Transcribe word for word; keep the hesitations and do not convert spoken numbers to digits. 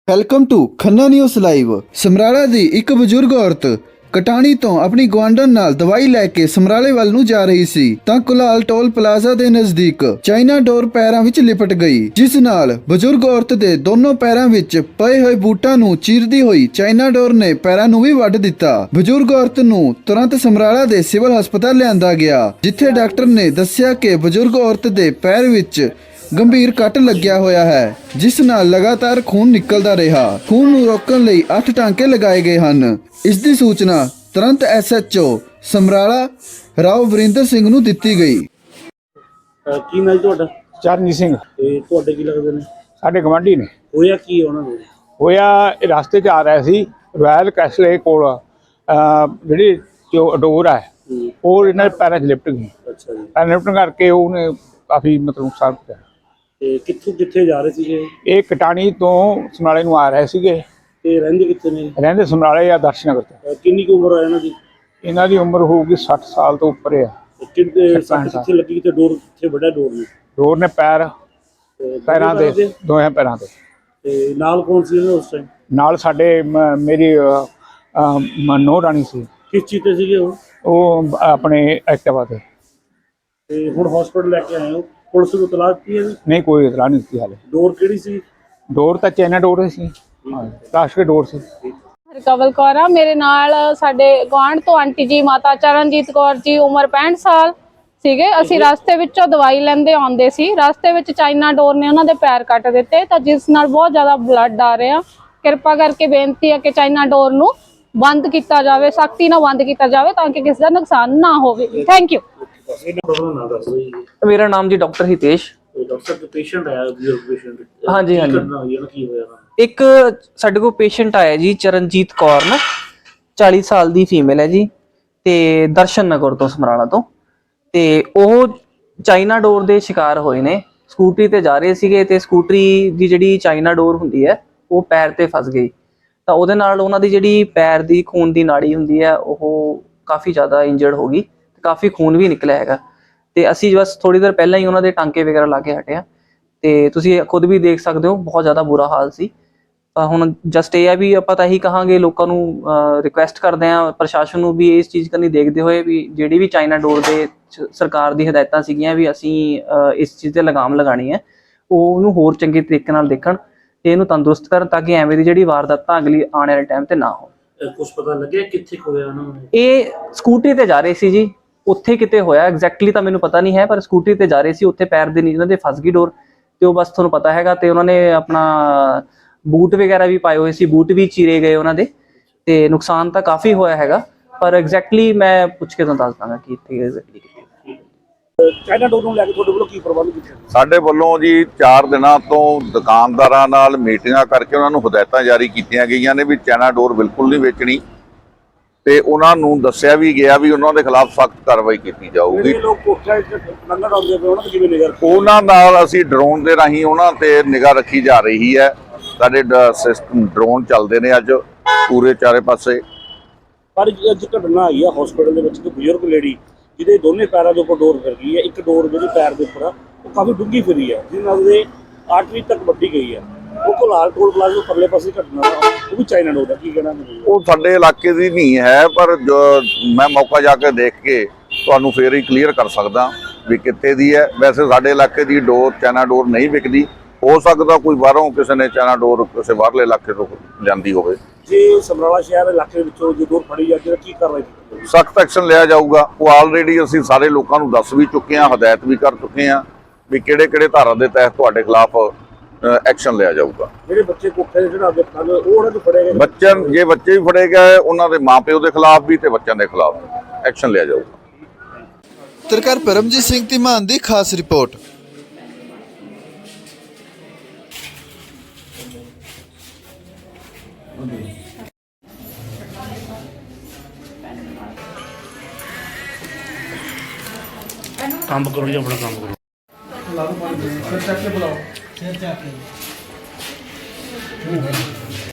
Welcome to Khanna news live. Samrala ਦੀ ਇੱਕ ਬਜ਼ੁਰਗ ਔਰਤ ਕਟਾਣੀ ਤੋਂ ਆਪਣੀ ਗੁਆਂਢਣ ਨਾਲ ਦਵਾਈ ਲੈ ਕੇ ਸਮਰਾਲੇ ਵੱਲ ਨੂੰ ਜਾ ਰਹੀ ਸੀ ਤਾਂ ਕੁਲਾਲ ਟੋਲ ਪਲਾਜ਼ਾ ਦੇ ਨਜ਼ਦੀਕ ਚਾਈਨਾ ਡੋਰ ਪੈਰਾਂ ਵਿੱਚ ਲਿਪਟ ਗਈ, ਜਿਸ ਨਾਲ ਬਜ਼ੁਰਗ ਔਰਤ ਦੇ ਦੋਨੋਂ ਪੈਰਾਂ ਵਿੱਚ ਪਏ ਹੋਏ ਬੂਟਾਂ ਨੂੰ ਚੀਰਦੀ ਹੋਈ ਚਾਈਨਾ ਡੋਰ ਨੇ ਪੈਰਾਂ ਨੂੰ ਵੀ ਵੱਢ ਦਿੱਤਾ। ਬਜ਼ੁਰਗ ਔਰਤ ਨੂੰ ਤੁਰੰਤ ਸਮਰਾਲਾ ਦੇ ਸਿਵਲ ਹਸਪਤਾਲ ਲਿਆਂਦਾ ਗਿਆ, ਜਿੱਥੇ ਡਾਕਟਰ ਨੇ ਦੱਸਿਆ ਕਿ ਬਜ਼ੁਰਗ ਔਰਤ ਦੇ ਪੈਰ ਵਿੱਚ ਗੰਭੀਰ ਕੱਟ ਲੱਗਿਆ ਹੋਇਆ ਹੈ, ਜਿਸ ਨਾਲ ਲਗਾਤਾਰ ਖੂਨ ਨਿਕਲਦਾ ਰਿਹਾ। ਖੂਨ ਨੂੰ ਰੋਕਣ ਲਈ ਅੱਠ ਟਾਂਕੇ ਲਗਾਏ ਗਏ ਹਨ। ਇਸ ਦੀ ਸੂਚਨਾ ਤੁਰੰਤ S H O Samrala Rao Varinder Singh ਨੂੰ ਦਿੱਤੀ ਗਈ। ਕੀ ਨਾਮ ਤੁਹਾਡਾ? ਚਰਨਜੀਤ ਸਿੰਘ। ਤੇ ਤੁਹਾਡੇ ਕੀ ਲੱਗਦੇ ਨੇ? ਸਾਡੇ ਗਵਾਂਢੀ ਨੇ। ਹੋਇਆ ਕੀ ਉਹਨਾਂ ਨੂੰ? ਹੋਇਆ ਇਹ ਰਸਤੇ 'ਚ ਆ ਰਿਹਾ ਸੀ ਰੋਇਲ ਕੈਸਲੇ ਕੋਲ, ਜਿਹੜੀ ਜੋ ਡੋਰ ਹੈ ਉਹ ਇਹਨਾਂ ਦੇ ਪੈਰਾਂ 'ਚ ਲਿਪਟ ਗਈ। ਅੱਛਾ ਜੀ। ਪੈਰ ਲਿਪਟਣ ਕਰਕੇ ਉਹਨੇ ਕਾਫੀ ਮਤਲਬ ਨੁਕਸਾਨ ਪਹੁੰਚਾਇਆ। ਤੇ ਕਿੱਥੋਂ ਕਿੱਥੇ ਜਾ ਰਹੇ ਸੀਗੇ? ਇਹ ਕਟਾਣੀ ਤੋਂ ਸਮਰਾਲੇ ਨੂੰ ਆ ਰਹੇ ਸੀਗੇ। ਤੇ ਰਹਿੰਦੇ ਕਿੱਥੇ ਨੇ? ਰਹਿੰਦੇ ਸਮਰਾਲੇ ਜਾਂ ਦਰਸ਼ਨਗਰ ਤੋਂ। ਕਿੰਨੀ ਕੁ ਉਮਰ ਹੈ ਇਹਨਾਂ ਦੀ? ਇਹਨਾਂ ਦੀ ਉਮਰ ਹੋਊਗੀ ਸੱਠ ਸਾਲ ਤੋਂ ਉੱਪਰ ਆ। ਕਿੱਥੇ ਸੱਟ ਕਿੱਥੇ ਲੱਗੀ ਤੇ ਡੋਰ ਕਿੱਥੇ ਵੱਡਾ ਡੋਰ ਨੇ? ਡੋਰ ਨੇ ਪੈਰ ਤੇ ਪੈਰਾਂ ਦੇ ਦੋਹਾਂ ਪੈਰਾਂ ਤੇ। ਤੇ ਨਾਲ ਕੌਣ ਸੀ ਇਹਨਾਂ ਉਸ ਟਾਈਮ? ਨਾਲ ਸਾਡੇ ਮ- ਮੇਰੀ ਮਨੋ ਰਾਣੀ ਸੀ। ਕਿਸ ਚੀਜ਼ ਤੇ ਸੀਗੇ ਉਹ? ਉਹ ਆਪਣੇ ਐਕਟਿਵਾ ਤੇ। ਤੇ ਹੁਣ ਹਸਪੀਟਲ ਲੈ ਕੇ ਆਏ ਹੋ? ਪੁਲਿਸ ਨੂੰ ਤਲਾਸ਼ ਦਿੱਤੀ ਹੈ ਜੀ? ਨਹੀਂ, ਕੋਈ ਇਤਲਾਹ ਨਹੀਂ ਦਿੱਤੀ ਹਾਲੇ। ਡੋਰ ਕਿਹੜੀ ਸੀ? ਡੋਰ ਤਾਂ ਚਾਈਨਾ ਡੋਰ ਸੀ, ਪਲਾਸਟਿਕ ਡੋਰ ਸੀ। ਹਰਕਵਲ ਕੌਰ ਆ ਮੇਰੇ ਨਾਲ। ਸਾਡੇ ਗੁਆਂਢ ਤੋਂ ਆਂਟੀ ਜੀ ਮਾਤਾ ਚਰਨਜੀਤ ਕੌਰ ਜੀ, ਉਮਰ ਪੈਂਹਠ ਸਾਲ ਸੀਗੇ। ਅਸੀਂ ਰਸਤੇ ਵਿੱਚੋਂ ਦਵਾਈ ਲੈਂਦੇ ਆਉਂਦੇ ਸੀ। ਰਸਤੇ ਵਿੱਚ ਚਾਈਨਾ ਡੋਰ ਨੇ ਉਹਨਾਂ ਦੇ ਪੈਰ ਕੱਟ ਦਿੱਤੇ, ਤਾਂ ਜਿਸ ਨਾਲ ਬਹੁਤ ਜ਼ਿਆਦਾ ਬਲੱਡ ਆ ਰਿਹਾ। ਕਿਰਪਾ ਕਰਕੇ ਬੇਨਤੀ ਹੈ ਕਿ ਚਾਈਨਾ ਡੋਰ ਨੂੰ ਬੰਦ ਕੀਤਾ ਜਾਵੇ, ਸਖਤੀ ਨਾਲ ਬੰਦ ਕੀਤਾ ਜਾਵੇ, ਤਾਂ ਕਿ ਕਿਸੇ ਦਾ ਨੁਕਸਾਨ ਨਾ ਹੋਵੇ। Thank you. मेरा नाम जी डॉक्टर हितेश। ਡਾਕਟਰ ਪੇਸ਼ੈਂਟ ਆਇਆ ਬਜ਼ੁਰਗ ਪੇਸ਼ੈਂਟ? ਹਾਂਜੀ ਹਾਂਜੀ। ਕੀ ਹੋਇਆ? ਇੱਕ ਸਾਡੇ ਕੋਲ ਪੇਸ਼ੈਂਟ ਆਇਆ ਜੀ ਚਰਨਜੀਤ ਕੌਰ ਨਾ, ਚਾਲੀ ਸਾਲ ਦੀ ਫੀਮੇਲ ਹੈ ਜੀ, ਤੇ ਦਰਸ਼ਨ ਨਗਰ ਤੋਂ ਸਮਰਾਲਾ ਤੋਂ। ਤੇ ਉਹ ਚਾਈਨਾ ਡੋਰ ਦੇ ਸ਼ਿਕਾਰ ਹੋਏ ਨੇ। ਸਕੂਟਰੀ ਤੇ ਜਾ ਰਹੇ ਸੀਗੇ ਤੇ ਸਕੂਟਰੀ ਦੀ ਜਿਹੜੀ ਚਾਈਨਾ ਡੋਰ ਹੁੰਦੀ ਹੈ ਉਹ ਪੈਰ ਤੇ ਫਸ ਗਈ, ਤਾਂ ਉਹਦੇ ਨਾਲ ਉਹਨਾਂ ਦੀ ਜਿਹੜੀ ਪੈਰ ਦੀ ਖੂਨ ਦੀ ਨਾੜੀ ਹੁੰਦੀ ਹੈ ਉਹ ਕਾਫੀ ਜ਼ਿਆਦਾ ਇੰਜਰਡ ਹੋ ਗਈ, ਕਾਫੀ ਖੂਨ ਵੀ ਨਿਕਲਿਆ ਹੈਗਾ। ਤੇ ਅਸੀਂ ਬਸ ਥੋੜੀ ਦੇਰ ਪਹਿਲਾਂ ਹੀ ਉਹਨਾਂ ਦੇ ਟਾਂਕੇ ਵਗੈਰਾ ਲਾ ਕੇ ਹਟਿਆ, ਤੇ ਤੁਸੀਂ ਖੁਦ ਵੀ ਦੇਖ ਸਕਦੇ ਹੋ ਬਹੁਤ ਜ਼ਿਆਦਾ ਬੁਰਾ ਹਾਲ ਸੀ। ਤਾਂ ਹੁਣ ਜਸਟ ਇਹ ਹੈ ਵੀ ਆਪਾਂ ਤਾਂ ਇਹੀ ਕਹਾਂਗੇ, ਲੋਕਾਂ ਨੂੰ ਰਿਕੁਐਸਟ ਕਰਦੇ ਹਾਂ, ਪ੍ਰਸ਼ਾਸਨ ਨੂੰ ਵੀ ਇਸ ਚੀਜ਼ ਕਰਨੀ ਦੇਖਦੇ ਹੋਏ ਵੀ ਜਿਹੜੀ ਵੀ ਚਾਈਨਾ ਡੋਰ ਦੇ ਸਰਕਾਰ ਦੀ ਹਦਾਇਤਾਂ ਸੀਗੀਆਂ ਵੀ ਅਸੀਂ ਇਸ ਚੀਜ਼ ਤੇ ਲਗਾਮ ਲਗਾਣੀ ਹੈ, ਉਹ ਉਹਨੂੰ ਹੋਰ ਚੰਗੇ ਤਰੀਕੇ ਨਾਲ ਦੇਖਣ ਤੇ ਇਹਨੂੰ ਤੰਦਰੁਸਤ ਕਰਨ, ਤਾਂ ਕਿ ਐਵੇਂ ਦੀ ਜਿਹੜੀ ਵਾਰਦਾਤਾਂ ਅਗਲੀ ਆਉਣ ਵਾਲੇ ਟਾਈਮ ਤੇ ਨਾ ਹੋਣ। ਕੁਝ ਪਤਾ ਲੱਗਿਆ ਕਿੱਥੇ ਹੋਇਆ ਉਹਨਾਂ ਨੂੰ? ਇਹ ਸਕੂਟਰੀ ਤੇ ਜਾ ਰਹੇ ਸੀ ਜੀ, ਉੱਥੇ ਕਿਤੇ ਹੋਇਆ ਐਗਜ਼ੈਕਟਲੀ ਤਾਂ ਮੈਨੂੰ ਪਤਾ ਨਹੀਂ ਹੈ, ਪਰ ਸਕੂਟਰੀ ਤੇ ਜਾ ਰਹੇ ਸੀ, ਉੱਥੇ ਪੈਰ ਦੇ ਨੀਚੇ ਉਹਨਾਂ ਦੇ ਫਸ ਗਈ ਡੋਰ, ਤੇ ਉਹ ਬਸ ਤੁਹਾਨੂੰ ਪਤਾ ਹੈਗਾ। ਤੇ ਉਹਨਾਂ ਨੇ ਆਪਣਾ ਬੂਟ ਵਗੈਰਾ ਵੀ ਪਾਏ ਹੋਏ ਸੀ, ਬੂਟ ਵੀ ਚੀਰੇ ਗਏ ਉਹਨਾਂ ਦੇ, ਤੇ ਨੁਕਸਾਨ ਤਾਂ ਕਾਫੀ ਹੋਇਆ ਹੈਗਾ, ਪਰ ਐਗਜ਼ੈਕਟਲੀ ਮੈਂ ਪੁੱਛ ਕੇ ਤੁਹਾਨੂੰ ਦੱਸ ਦਾਂਗਾ ਕਿ ਇੱਥੇ ਐਗਜ਼ੈਕਟਲੀ ਕਿੱਥੇ। ਚਾਈਨਾ ਡੋਰ ਨੂੰ ਲੈ ਕੇ ਤੁਹਾਡੇ ਵੱਲੋਂ ਕੀ ਪ੍ਰਬੰਧ ਕੀਤੇ? ਸਾਡੇ ਵੱਲੋਂ ਜੀ ਚਾਰ ਦਿਨਾਂ ਤੋਂ ਦੁਕਾਨਦਾਰਾਂ ਨਾਲ ਮੀਟਿੰਗਾਂ ਕਰਕੇ ਉਹਨਾਂ ਨੂੰ ਹਦਾਇਤਾਂ ਜਾਰੀ ਕੀਤੀਆਂ ਗਈਆਂ ਨੇ ਵੀ ਚਾਈਨਾ ਡੋਰ ਬਿਲਕੁਲ ਨਹੀਂ ਵੇਚਣੀ, ਤੇ ਉਹਨਾਂ ਨੂੰ ਦੱਸਿਆ ਵੀ ਗਿਆ ਵੀ ਉਹਨਾਂ ਦੇ ਖਿਲਾਫ ਸਖਤ ਕਾਰਵਾਈ ਕੀਤੀ ਜਾਊਗੀ। ਉਹਨਾਂ ਨਾਲ ਅਸੀਂ ਡਰੋਨ ਦੇ ਰਾਹੀਂ ਉਹਨਾਂ ਤੇ ਨਿਗਾਹ ਰੱਖੀ ਜਾ ਰਹੀ ਹੈ। ਸਾਡੇ ਸਿਸਟਮ ਡਰੋਨ ਚੱਲਦੇ ਨੇ ਅੱਜ ਪੂਰੇ ਚਾਰੇ ਪਾਸੇ। ਪਰ ਅੱਜ ਘਟਨਾ ਆਈ ਆ ਹਸਪੀਟਲ ਦੇ ਵਿੱਚ, ਇੱਕ ਬਜ਼ੁਰਗ ਲੇਡੀ ਜਿਹਦੇ ਦੋਨੇ ਪੈਰਾਂ ਦੇ ਉੱਪਰ ਡੋਰ ਫਿਰ ਗਈ ਹੈ। ਇੱਕ ਡੋਰ ਜਿਹੜੀ ਪੈਰ ਦੇ ਉੱਪਰ ਆ ਉਹ ਕਾਫੀ ਡੂੰਘੀ ਫਿਰੀ ਹੈ, ਜਿਹਦੇ ਨਾਲ ਉਹਦੇ ਆਰਟਰੀ ਤੱਕ ਵੱਢੀ ਗਈ ਹੈ। ਉਹ ਕੁਲਾਲ ਟੋਲ ਪਲਾਜ਼ਾ ਪਰਲੇ ਪਾਸੇ ਘਟਨਾ, ਉਹ ਵੀ ਚਾਈਨਾ ਡੋਰ ਦਾ ਕੀ ਕਹਿਣਾ? ਉਹ ਸਾਡੇ ਇਲਾਕੇ ਦੀ ਨਹੀਂ ਹੈ, ਪਰ ਜੋ ਮੈਂ ਮੌਕਾ ਜਾ ਕੇ ਦੇਖ ਕੇ ਤੁਹਾਨੂੰ ਫੇਰ ਹੀ ਕਲੀਅਰ ਕਰ ਸਕਦਾ ਵੀ ਕਿੱਥੇ ਦੀ ਹੈ। ਵੈਸੇ ਸਾਡੇ ਇਲਾਕੇ ਦੀ ਡੋਰ ਚਾਈਨਾ ਡੋਰ ਨਹੀਂ ਵਿਕਦੀ, ਹੋ ਸਕਦਾ ਕੋਈ ਬਾਹਰੋਂ ਕਿਸੇ ਨੇ ਚਾਈਨਾ ਡੋਰ ਕਿਸੇ ਬਾਹਰਲੇ ਇਲਾਕੇ ਤੋਂ ਲਿਆਂਦੀ ਹੋਵੇ। ਜੇ ਸਮਰਾਲਾ ਸ਼ਹਿਰ ਇਲਾਕੇ ਵਿੱਚੋਂ ਜੇ ਡੋਰ ਫੜੀ ਜਾਂਦੀ ਤਾਂ ਕੀ ਕਾਰਵਾਈ ਕੀਤੀ? ਸਖਤ ਐਕਸ਼ਨ ਲਿਆ ਜਾਊਗਾ। ਉਹ ਆਲਰੇਡੀ ਅਸੀਂ ਸਾਰੇ ਲੋਕਾਂ ਨੂੰ ਦੱਸ ਵੀ ਚੁੱਕੇ ਹਾਂ, ਹਦਾਇਤ ਵੀ ਕਰ ਚੁੱਕੇ ਹਾਂ ਵੀ ਕਿਹੜੇ ਕਿਹੜੇ ਧਾਰਾ ਦੇ ਤਹਿਤ ਤੁਹਾਡੇ ਖਿਲਾਫ ਐਕਸ਼ਨ ਲਿਆ ਜਾਊਗਾ। ਜਿਹੜੇ ਬੱਚੇ ਕੋਠੇ ਦੇ ਚੜ੍ਹਾ ਕੇ ਪਤੰਗ ਉਹ ਉਹਨਾਂ ਨੂੰ ਫੜੇ ਗਏ? ਬੱਚਿਆਂ ਜੇ ਬੱਚੇ ਵੀ ਫੜੇ ਗਏ, ਉਹਨਾਂ ਦੇ ਮਾਪਿਓ ਦੇ ਖਿਲਾਫ ਵੀ ਤੇ ਬੱਚਿਆਂ ਦੇ ਖਿਲਾਫ ਐਕਸ਼ਨ ਲਿਆ ਜਾਊਗਾ। ਪੱਤਰਕਾਰ ਪਰਮਜੀਤ ਸਿੰਘ ਧੀਮਾਨ ਦੀ ਖਾਸ ਰਿਪੋਰਟ। ਕੰਮ ਕਰੋ ਜੀ, ਆਪਣਾ ਕੰਮ ਕਰੋ। ਸਿਰ ਚੱਕ ਕੇ ਬੁਲਾਓ, ਸਿਰ ਚੱਕ ਕੇ